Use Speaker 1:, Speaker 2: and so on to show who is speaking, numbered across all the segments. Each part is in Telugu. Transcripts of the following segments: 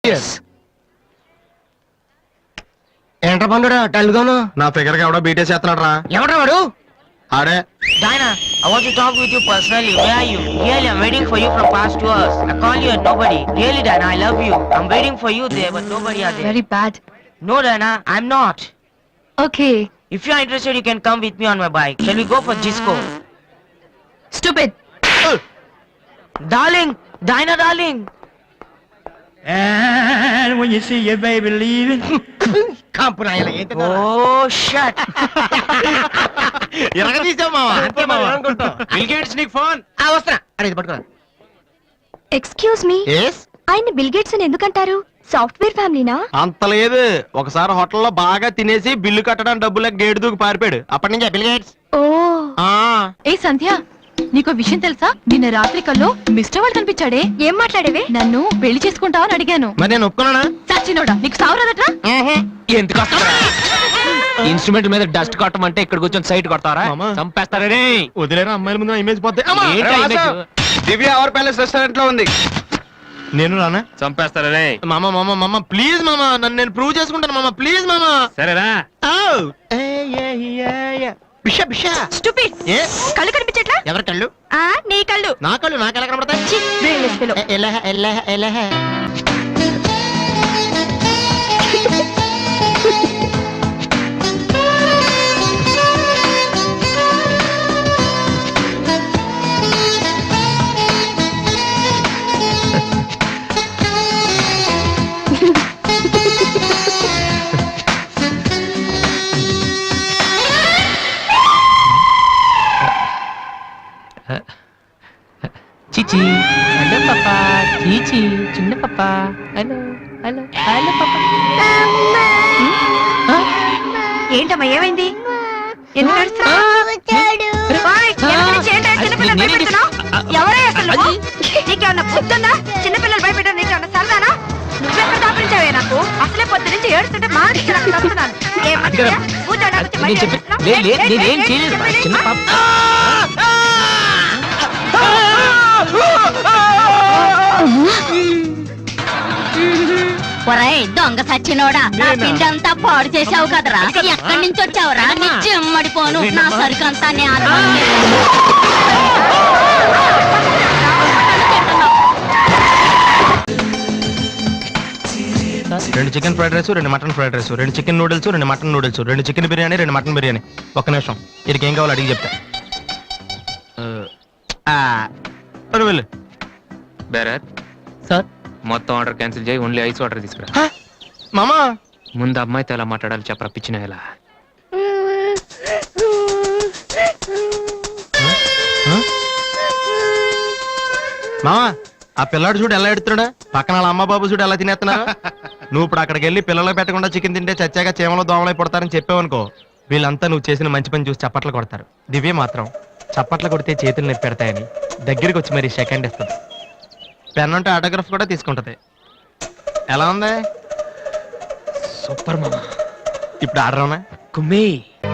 Speaker 1: ఏంట్రా పండురా టల్గాను
Speaker 2: నా ఫిగర్ కి ఎవడో బీటేసి చేస్తున్నాడు రా.
Speaker 1: ఎవడ్రా వాడు?
Speaker 2: ఆడే.
Speaker 3: Diana, I want to talk with you personally. Where are you? Really, I'm waiting for you from past 2 hours. I call you and nobody. Really, Diana, I love you. I'm waiting for you there, but nobody are there.
Speaker 4: Very bad.
Speaker 3: No, Diana, I'm not.
Speaker 4: Okay.
Speaker 3: If you are interested, you can come with me on my bike. Shall we go for disco?
Speaker 4: Stupid.
Speaker 3: Darling, Diana, darling.
Speaker 5: And when you see your baby leaving,
Speaker 1: కాంపు నాయన ఏంటి
Speaker 3: Oh, shut.
Speaker 2: ఎరగదీసావు మావా. అంతే మావా. బిల్ గేట్స్ నీకు ఫోన్.
Speaker 1: వస్తున్నా అరే ఇది పట్టుకురా.
Speaker 4: Excuse me,
Speaker 2: Yes?
Speaker 4: ఆయన బిల్ గేట్స్ అని ఎందుకంటారు? సాఫ్ట్వేర్ ఫ్యామిలీనా?
Speaker 2: అంత లేదు. ఒకసారి హోటల్లో బాగా తినేసి బిల్లు కట్టడానికి డబ్బులకు గేటు దూకి పారిపోయాడు. అప్పటి నుంచి బిల్ గేట్స్.
Speaker 4: ఓ.
Speaker 6: ఏ సంధ్య, నీకో విషయం తెలుసా? నిన్న రాత్రి కల్లో మిస్టర్ వాళ్ళు కనిపించాడే.
Speaker 4: ఏం మాట్లాడేవే?
Speaker 6: నన్ను పెళ్లి చేసుకుంటావని అడిగాను.
Speaker 2: మరి నేను ఒప్పుకున్నానా?
Speaker 6: సచ్చినోడా, నీకు సావరాదట్రా?
Speaker 7: ఎందుకు ఇన్స్ట్రుమెంట్ మీద డస్ట్ కొట్టమంటే ఇక్కడ కూర్చొని సైట్ కొడతారా?
Speaker 2: మామా.
Speaker 7: చంపేస్తారే.
Speaker 2: వదిలేరా, అమ్మాయిల ముందు ఇమేజ్ పోతే.
Speaker 7: దివ్య అవర్ ప్యాలెస్ రెస్టారెంట్ లో ఉంది.
Speaker 2: నేను రానా?
Speaker 7: చంపేస్తారే.
Speaker 2: మామ మామ మామ ప్లీజ్ మామ, నన్ను నేను ప్రూవ్ చేసుకుంటాను మామ, ప్లీజ్ మామ.
Speaker 7: సరేరా.
Speaker 2: బిషా బిషా.
Speaker 4: స్టూపిడ్. కళ్ళు కనిపించట్లా?
Speaker 2: ఎవరి కళ్ళు?
Speaker 4: నీ కళ్ళు.
Speaker 2: నా కళ్ళు నాకు ఎలా కనబడతాయి?
Speaker 4: Brainless fellow.
Speaker 2: ఎలా
Speaker 7: చిచి హలో పాపా. చీచి చిన్న పాపా. హలో హలో హలో పాపా.
Speaker 4: ఏంటమ్మా, ఏమైంది? ఎందుకు ఏడుస్తున్నావ్? ఓయ్, ఎందుకు నుంచి ఏంటా చిన్నపిల్లలు భయపెడుతున్నావ్? ఎవరే అసలు నువ్వు? నీకేమన్నా బుద్ధుందా? చిన్నపిల్లలు భయపెట్టడం నీకేమన్నా సరదానా? నువ్వెక్కడ దాపించావే నాకు? అసలే పొద్దు నుంచి ఏడుస్తుంటే మాట్లాడుతున్నాను.
Speaker 7: నేనేం చేయలేదు. చిన్న పాప.
Speaker 8: ఒరేయ్ దొంగ సచ్చినోడా, నా పిండంతా పాడు చేసావు కదరా. ఎక్కడి నుంచి వచ్చావురా? నీ చెమ్మడిపోను. నా సరుకంతా
Speaker 2: రెండు చికెన్ ఫ్రైడ్ రైస్, రెండు మటన్ ఫ్రైడ్ రైస్, రెండు చికెన్ నూడిల్స్, రెండు మటన్ నూడిల్స్, రెండు చికెన్ బిర్యానీ, రెండు మటన్ బిర్యానీ. ఒక్క నిమిషం, వీరికి ఏం కావాలో అడిగి చెప్తా. వెళ్ళు.
Speaker 7: బేరర్
Speaker 6: సార్,
Speaker 7: మొత్తం ఆర్డర్ క్యాన్సిల్ చేయి. ఓన్లీ ఐస్ వాటర్ తీసుకురా.
Speaker 2: మామా
Speaker 7: ముందు అమ్మాయితో ఎలా మాట్లాడాలి చెప్పరా పిచ్చిన ఎలా.
Speaker 2: మామా ఆ పిల్లాడు చూడు ఎలా ఎడుతున్నాడా, పక్కన వాళ్ళ అమ్మ బాబు చూడు ఎలా తినేస్తున్నా. నువ్వు ఇప్పుడు అక్కడికి వెళ్ళి పిల్లలు పెట్టకుండా చికెన్ తింటే చచ్చాక చీమలో దోమలై పడతారని చెప్పావనుకో, వీళ్ళంతా నువ్వు చేసిన మంచి పని చూసి చప్పట్లు కొడతారు. దివ్య మాత్రం చప్పట్లు కొడితే చేతులు నొప్పి పెడతాయని దగ్గరికి వచ్చి మరి సెకండ్ ఇస్తుంది. పెన్ అంటే ఆటోగ్రాఫ్ కూడా తీసుకుంటది. ఎలా ఉంది?
Speaker 7: సూపర్ మామా.
Speaker 2: ఇప్పుడు ఆర్డర్ అవునా?
Speaker 7: కుమ్మి.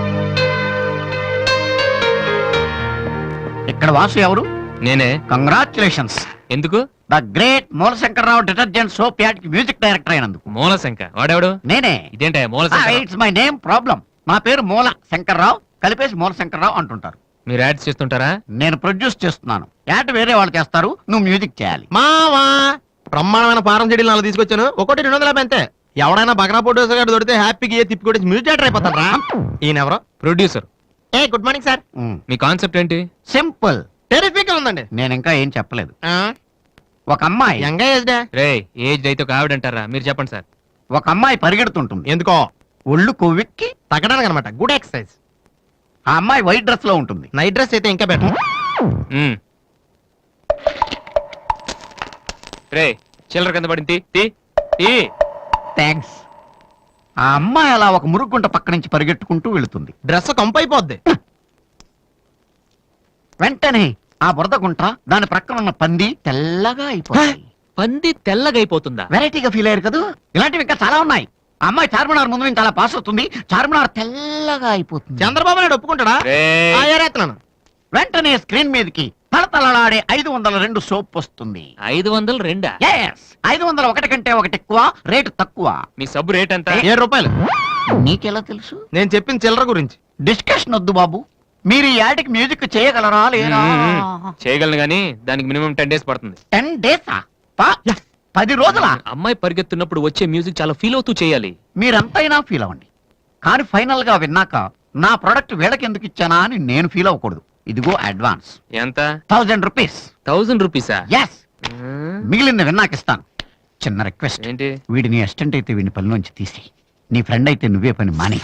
Speaker 5: ఇక్కడ వాసు ఎవరు?
Speaker 7: నేనే.
Speaker 5: కంగ్రాచులేషన్స్.
Speaker 7: ఎందుకు?
Speaker 5: The great Moolashankararao detergent soap ad కి మ్యూజిక్ డైరెక్టర్ అయినందుకు.
Speaker 7: మూలశంక వాడెవడు?
Speaker 5: నేనే.
Speaker 7: ఇదేంటే Moolashanka?
Speaker 5: It's my name problem. నా పేరు మూల శంకర్రావు, కలిపేసి మూలశంకర్రావు అంటుంటారు.
Speaker 7: మీరు యాడ్స్ చేస్తుంటారా?
Speaker 5: నేను ప్రొడ్యూస్ చేస్తున్నాను. యాడ్ వేరే వాళ్ళు చేస్తారు, నువ్వు మ్యూజిక్ చేయాలి.
Speaker 2: మావా బ్రహ్మాండమైన ఫారం చెడీలు నాలుగు తీసుకొచ్చాను. ఒకటి 250 అంతే. ఎవడైనా బగ్రా ప్రొడ్యూసర్ గారు దొరికితే హ్యాపీగా ఏ తిప్పి కొట్టి మ్యూజిక్ డైరెక్టర్ అయిపోతారా? ఈయన ఎవరో
Speaker 7: ప్రొడ్యూసర్.
Speaker 2: ఏ గుడ్ మార్నింగ్ సార్.
Speaker 7: మీ కాన్సెప్ట్ ఏంటి?
Speaker 5: సింపుల్,
Speaker 2: టెరిఫిక్ గా ఉందండి.
Speaker 5: నేను ఇంకా ఏం చెప్పలేదు. ఒక అమ్మాయి
Speaker 2: యంగ్ ఏజ్
Speaker 7: రే ఏజ్ అయితే ఒక ఆవిడ అంటారా? మీరు చెప్పండి సార్.
Speaker 5: ఒక అమ్మాయి పరిగెడుతుంటుంది.
Speaker 2: ఎందుకో
Speaker 5: ఒళ్ళు కొవ్వెక్కి
Speaker 2: తగ్గడానికి అనమాట. Good exercise.
Speaker 5: ఆ అమ్మాయి వైట్ డ్రెస్ లో ఉంటుంది.
Speaker 2: నైట్ డ్రెస్ అయితే ఇంకా బెటర్.
Speaker 7: రే చిల్లర కింద పడింది. తీ తీ.
Speaker 5: థ్యాంక్స్. ఆ అమ్మాయి అలా ఒక మురుగుంట పక్క నుంచి పరిగెట్టుకుంటూ వెళుతుంది.
Speaker 2: డ్రెస్ కంపు అయిపోద్ది.
Speaker 5: వెంటనే ఆ బురద గుంట, దాని ప్రక్కన ఉన్న పంది తెల్లగా అయిపోతుంది.
Speaker 7: పంది తెల్లగా అయిపోతుందా?
Speaker 5: వెరైటీగా ఫీల్ అయ్యారు కదా. ఇలాంటివి ఇంకా చాలా ఉన్నాయి. ఆ అమ్మాయి చార్మినార్ ముందు నుంచి అలా పాస్ అవుతుంది, చార్మినార్ తెల్లగా అయిపోతుంది.
Speaker 2: చంద్రబాబు నాయుడు ఒప్పుకుంటాడా?
Speaker 7: రే.
Speaker 2: ఏరేస్తున్నాను.
Speaker 5: వెంటనే స్క్రీన్ మీదకి తలతలలాడే 502 సోప్ వస్తుంది.
Speaker 7: 502
Speaker 5: ఎస్ 501 కంటే ఒకటి ఎక్కువ, రేటు తక్కువ.
Speaker 7: మీ సబ్బు రేట్ ఎంత?
Speaker 2: 7 రూపాయలు.
Speaker 5: నీకెలా తెలుసు?
Speaker 2: నేను చెప్పిన చిల్లర గురించి.
Speaker 5: డిస్కషన్ వద్దు బాబు. మీరు ఈ యాడ్కి మ్యూజిక్ చేయగలరా లేరా?
Speaker 7: చేయగలను గానీ దానికి మినిమం 10 డేస్ పడుతుంది.
Speaker 5: 10 డేసా? 10 రోజులా?
Speaker 7: అమ్మాయి పరిగెత్తున్నప్పుడు వచ్చే మ్యూజిక్ చాలా ఫీల్ అవుతూ చేయాలి.
Speaker 5: మీరంతైనా ఫీల్ అవ్వండి, కానీ ఫైనల్ గా విన్నాక నా ప్రొడక్ట్ వీళ్ళకి ఎందుకు ఇచ్చానా అని నేను ఫీల్ అవ్వకూడదు. ఇదిగో అడ్వాన్స్
Speaker 7: ఎంత?
Speaker 5: 1000 రూపీస్.
Speaker 7: 1000 రూపీసా?
Speaker 5: ఎస్, మిగిలింది విన్నాక ఇస్తాను. చిన్న రిక్వెస్ట్,
Speaker 7: ఏంటి?
Speaker 5: వీడిని అసిస్టెంట్ అయితే వీడిని పనిలోంచి తీసి, నీ ఫ్రెండ్ అయితే నువ్వే పని మాని.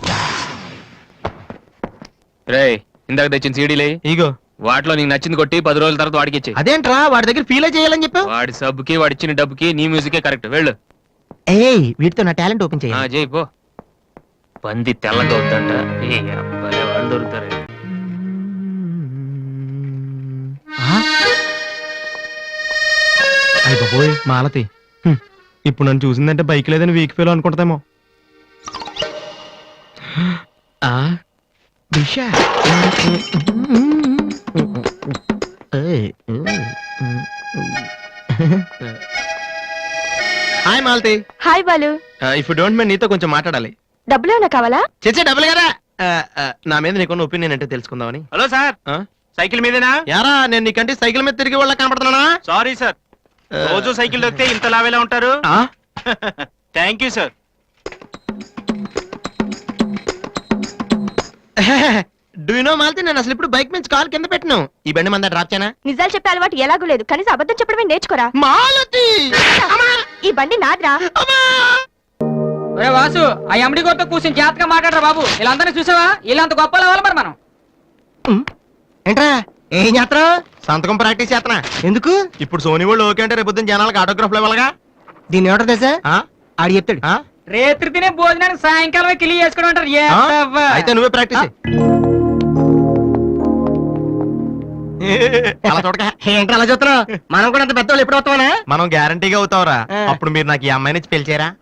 Speaker 7: రేయ్, ఇందాక తెచ్చిన సీడీలే
Speaker 2: ఇగో
Speaker 7: వాటిలో నీకు నచ్చింది కొట్టి 10 రోజుల తర్వాత వాడికి ఇచ్చే.
Speaker 2: అదేంట్రా వాడి దగ్గర ఫీల్ చేయాలని చెప్పావు?
Speaker 7: వాడి సబ్బుకి వాడిచ్చిన డబ్బుకి నీ మ్యూజికే కరెక్ట్. వెళ్ళు.
Speaker 2: ఏయ్ వీటితో నా టాలెంట్ ఓపెన్
Speaker 7: ఆ,
Speaker 2: చేయాలి.
Speaker 7: చేయి పో. పంది తెల్లగా అవుతుంట. ఏ అబ్బాయి వాళ్ళు దొరుకుతారు.
Speaker 2: అయ్య బాబోయ్ మాలతి, ఇప్పుడు నన్ను చూసిందంటే బైక్ లేదని వీక్ ఫీల్ అనుకుంటామేమో. Hi Malathi.
Speaker 4: Hi Balu,
Speaker 2: if don't mind నీతో కొంచెం మాట్లాడాలి.
Speaker 4: డబ్బులు ఏమైనా కావాలా?
Speaker 2: చేసే డబ్బులు కదా. నా మీద నీకున్న ఒపీనియన్ అంటే తెలుసుకుందామని.
Speaker 9: హలో సార్,
Speaker 2: ఆ?
Speaker 9: సైకిల్ మీదేనా?
Speaker 2: యారా నేను నీకంటే సైకిల్ మీద తిరిగి వాళ్ళ కనపడుతున్నానా?
Speaker 9: సారీ సార్, రోజు సైకిల్ దొరికితే ఇంత లావేలా ఉంటారు.
Speaker 2: ఆ?
Speaker 9: Thank you sir.
Speaker 2: Do you know Malathi, నేను అసలు ఇప్పుడు బైక్ నుంచి కాల్ కింద పెట్టినావు. ఈ బండి మంద డ్రాప్ చేయనా?
Speaker 4: నిజాలు చెప్పే అలవాటు ఎలాగూ లేదు, కనీసం అబద్ధం చెప్పడమే నేర్చుకోరా.
Speaker 2: మాలతి
Speaker 4: ఈ బండి నాదిరా.
Speaker 10: ఒరే వాసు, ఆ ఎండి గోతో కూర్చొని జాగ్రత్తగా మాట్లాడరా బాబు. వీళ్ళందరినీ చూసావా? వీళ్ళంత గొప్ప అవ్వాలి మరి మనం.
Speaker 1: ఏంట్రా ఏం చేస్తావు?
Speaker 2: సంతకం ప్రాక్టీస్ చేస్తున్నా.
Speaker 1: ఎందుకు?
Speaker 2: ఇప్పుడు సోనీ వాళ్ళు ఓకే అంటే రేపు పొద్దున్న జనాలకు ఆటోగ్రాఫ్లు ఇవ్వాలిగా.
Speaker 1: దీన్ని ఏమంటారు తెలుసా?
Speaker 2: ఆ?
Speaker 1: ఆడు చెప్తాడు.
Speaker 2: ఆ?
Speaker 10: రేత్రి తినే భోజనానికి సాయంకాలం కిలి చేసుకోవడం అంటారు. ఏ
Speaker 2: ఆ?
Speaker 10: అవ్వ.
Speaker 2: అయితే నువ్వే ప్రాక్టీస్ చెయ్. అలా చూడక.
Speaker 1: ఏంట్రా అలా చూస్తున్నావు? మనం కూడా అంత పెద్దవాళ్ళు ఎప్పుడు వస్తామనా?
Speaker 2: మనం గ్యారంటీగా అవుతావురా.
Speaker 1: ఆ.
Speaker 2: అప్పుడు మీరు నాకు ఈ అమ్మాయిని ఇచ్చి పెళ్లి చేయరా?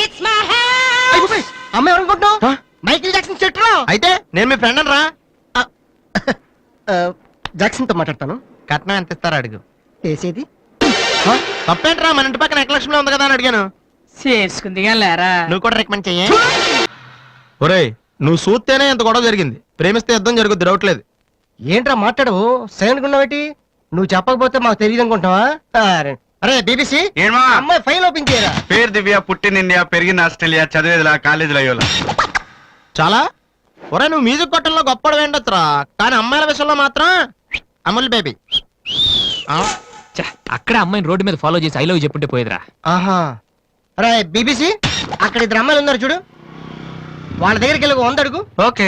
Speaker 1: అమ్మ ఎవరనుకుంటున్నావు?
Speaker 2: ఆ?
Speaker 1: మైకిల్ జాక్సన్ చెట్టు.
Speaker 2: అయితే నేను మీ ఫ్రెండ్ రా.
Speaker 1: జాక్సన్ తో మాట్లాడతాను.
Speaker 2: కట్నం ఎంత ఇస్తారా అడుగు.
Speaker 1: వేసేది
Speaker 2: తప్పేంట్రా, మన ఇంటి పక్కన ఎక్లక్ష్మిలో ఉంది కదా అని అడిగాను.
Speaker 10: చేసుకుంది కానీ లేరా.
Speaker 2: నువ్వు కూడా రికమెండ్ చెయ్యి. ఒరేయ్ నువ్వు చూస్తేనే ఎంత గొడవ జరిగింది. ప్రేమిస్తే యుద్ధం జరుగుద్ది, డౌట్ లేదు.
Speaker 1: ఏంట్రా మాట్లాడవు? సైలెంట్ ఉన్నావేటి? నువ్వు చెప్పకపోతే మాకు తెలియదు అనుకుంటావా? అరే బీబీసీ,
Speaker 9: ఏమా
Speaker 1: అమ్మాయి ఫైల్ ఓపెన్ చేయరా.
Speaker 9: పేరు దివ్య, పుట్టిన ఇండియా, పెరిగిన ఆస్ట్రేలియా, చదివేదిలా కాలేజీలో అయ్యోలా.
Speaker 2: చాలా ఒరే నువ్వు మ్యూజిక్ కొట్టంలో గొప్పడు వేండొచ్చురా, కానీ అమ్మాయిల విషయంలో మాత్రం అమూల్ బేబీ.
Speaker 7: ఛ, అక్కడ అమ్మాయిని రోడ్డు మీద ఫాలో చేసి ఐ లవ్ చెప్పుంటే పోయేదిరా.
Speaker 1: ఆహా. అరే బీబీసీ, అక్కడ ఇద్దరు అమ్మాయిలు ఉన్నారు చూడు, వాళ్ళ దగ్గరికి వెళ్ళి 100 అడుగు.
Speaker 9: Okay.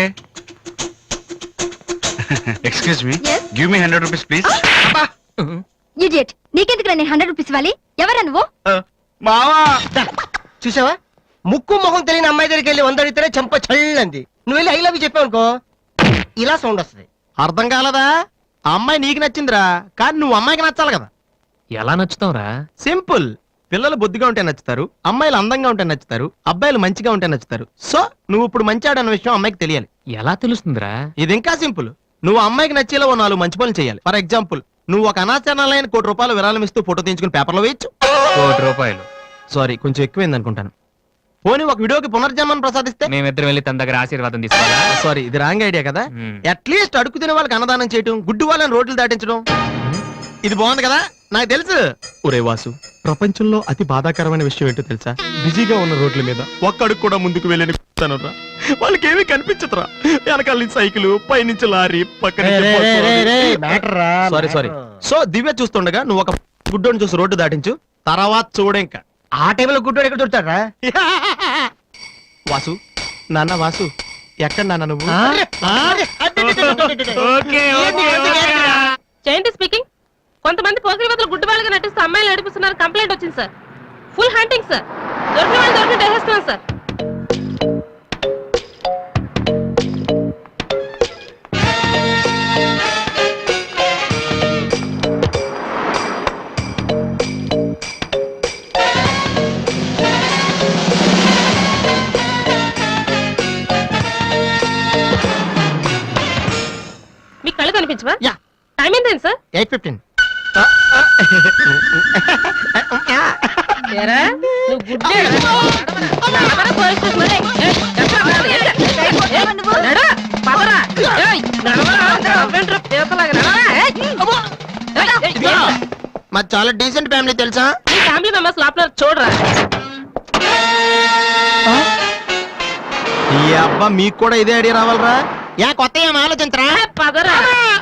Speaker 9: Excuse me, give me 100 rupees please.
Speaker 8: Idiot, నీకెందుకు నేను 100 రూపీస్ ఇవ్వాలి? ఎవరా నువ్వు?
Speaker 9: మావా,
Speaker 1: దా, చూసావా? ముక్కు మొహం తెలియని అమ్మాయి దగ్గరికి వెళ్ళి 100 అడిగితేనే చంప చల్లంది. నువ్వు వెళ్ళి ఐ లవ్ యూ చెప్పావు అనుకో, ఇలా సౌండ్ వస్తుంది.
Speaker 2: అర్థం కాలదా? ఆ అమ్మాయి నీకు నచ్చిందిరా, కానీ నువ్వు అమ్మాయికి నచ్చాలి కదా.
Speaker 7: ఎలా నచ్చుతావురా?
Speaker 2: సింపుల్. పిల్లలు బుద్ధిగా ఉంటే నచ్చుతారు, అమ్మాయిలు అందంగా ఉంటే నచ్చుతారు, అబ్బాయిలు మంచిగా ఉంటే నచ్చుతారు. సో నువ్వు ఇప్పుడు మంచాడు అన్న విషయం అమ్మాయికి తెలియాలి.
Speaker 7: ఎలా తెలుస్తుందిరా?
Speaker 2: ఇది ఇంకా సింపుల్. నువ్వు అమ్మాయికి నచ్చేలా 4 మంచి పనులు చేయాలి. ఫర్ ఎగ్జాంపుల్, నువ్వు ఒక అనాచరణలైన ₹1 కోటి విరాళం ఇస్తూ ఫోటో తీయించుకుని పేపర్లో వేయచ్చు.
Speaker 7: ₹1
Speaker 2: సారీ, కొంచెం ఎక్కువైంది అనుకుంటాను. పోనీ ఒక వీడియోకి పునర్జన్మను ప్రసాదిస్తే?
Speaker 7: మేమిద్దరం వెళ్ళి తన దగ్గర ఆశీర్వాదం తీసుకోవాలా?
Speaker 2: సారీ, ఇది రాంగ్ ఐడియా కదా.
Speaker 7: మ్మ్.
Speaker 2: అట్లీస్ట్ అడుగు తినే వాళ్ళకి అన్నదానం చేయటం, గుడ్డు వాళ్ళని రోడ్లు దాటించడం, ఇది బాగుంది కదా. నాకు తెలుసు. ఒరే వాసు, ప్రపంచంలో అతి బాధాకరమైన విషయం ఏంటో తెలుసా? బిజీగా ఉన్న రోడ్ల మీద ఒక్క అడుగు కూడా ముందుకు వెళ్ళని కూర్చున్నానురా. వాళ్ళకి ఏమీ కనిపించదురా. వెనకాల నుంచి సైకిల్, పైనుంచి లారీ, పక్కన సారీ సారీ. సో దివ్య చూస్తుండగా నువ్వు ఒక గుడ్డోని చూసి రోడ్డు దాటించు, తర్వాత చూడు ఇంకా.
Speaker 1: ఆ టైంలో గుడ్డోడు ఎక్కడ దొరుకుతాడా?
Speaker 2: వాసు, నాన్న వాసు, ఎక్కడ నాన్న నువ్వు?
Speaker 11: జయంతి స్పీకింగ్. కొంతమంది పోకిరి వదలు గుడ్డి వాళ్ళగా నటిస్తూ అమ్మాయిలు నడిపిస్తున్నారు. కంప్లైంట్ వచ్చింది సార్. Full hunting sir. దొరికిన వాళ్ళు దొరికి వేసేస్తున్నాం సార్. మీకు కళ్ళు కనిపించవా?
Speaker 2: యా.
Speaker 11: టైం ఎంత ఎంత సార్
Speaker 2: 8:15.
Speaker 11: ఏరా, నువ్వు గుడ్డే నడవరా పోలీస్ స్టేషన్ మరి. నడు, పదరా. ఏయ్, నడవరా, అవ్వేంట్రా, పీతలాగా నడవరా. ఏయ్, అమ్మో.
Speaker 2: మాది చాలా డీసెంట్ ఫ్యామిలీ తెలుసా?
Speaker 11: నీ ఫ్యామిలీ మెంబర్స్ లోపల చూడరా.
Speaker 2: ఈ అబ్బా మీకు కూడా ఇదే ఐడియా రావాలరా? యా కొత్త ఏం ఆలోచించరా?
Speaker 11: పదరా.